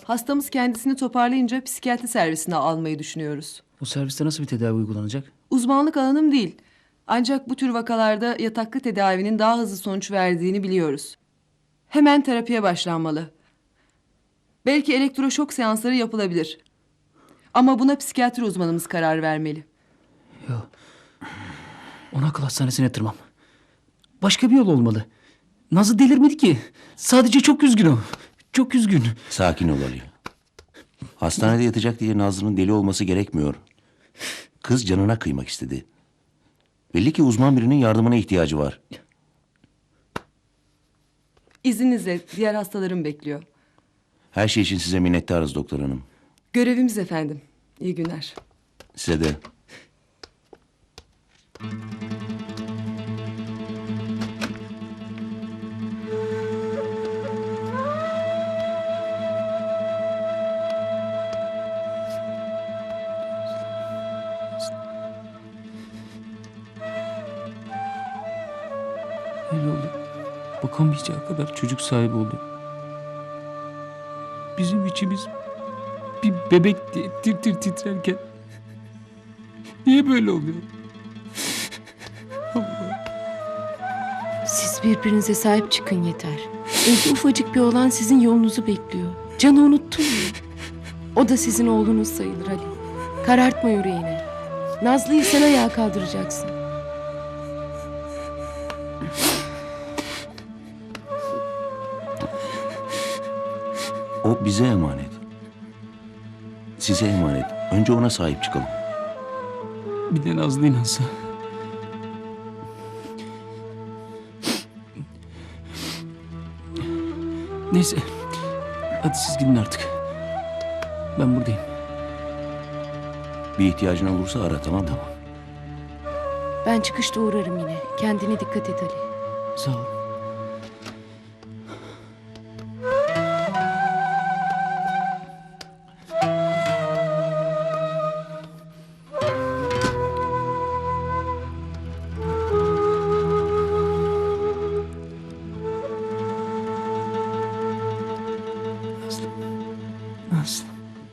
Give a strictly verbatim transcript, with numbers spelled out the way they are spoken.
Hastamız kendisini toparlayınca psikiyatri servisine almayı düşünüyoruz. Bu serviste nasıl bir tedavi uygulanacak? Uzmanlık alanım değil. Ancak bu tür vakalarda yataklı tedavinin daha hızlı sonuç verdiğini biliyoruz. Hemen terapiye başlanmalı. Belki elektroşok seansları yapılabilir. Ama buna psikiyatri uzmanımız karar vermeli. Yok. Onu akıl hastanesine yatırmam. Başka bir yol olmalı. Nazlı delirmedi ki. Sadece çok üzgün o. Çok üzgün. Sakin ol Ali. Hastanede yatacak diye Nazlı'nın deli olması gerekmiyor. Kız canına kıymak istedi. Belli ki uzman birinin yardımına ihtiyacı var. İzninizle diğer hastalarım bekliyor. Her şey için size minnettarız doktor hanım. Görevimiz efendim. İyi günler. Size de. Öyle oldu. Bakamayacağı kadar çocuk sahibi oldu. Bizim içimiz bir bebek diye tir tir titrerken niye böyle oluyor? Siz birbirinize sahip çıkın yeter. Evde ufacık bir oğlan sizin yolunuzu bekliyor. Canı unuttun mu? O da sizin oğlunuz sayılır Ali. Karartma yüreğini. Nazlı'yı sen ayağa kaldıracaksın. O bize emanet. Size emanet. Önce ona sahip çıkalım. Bir de Nazlı inansa. Neyse. Hadi siz gidin artık. Ben buradayım. Bir ihtiyacın olursa ara, tamam mı? Ben çıkışta uğrarım yine. Kendine dikkat et Ali. Sağ ol.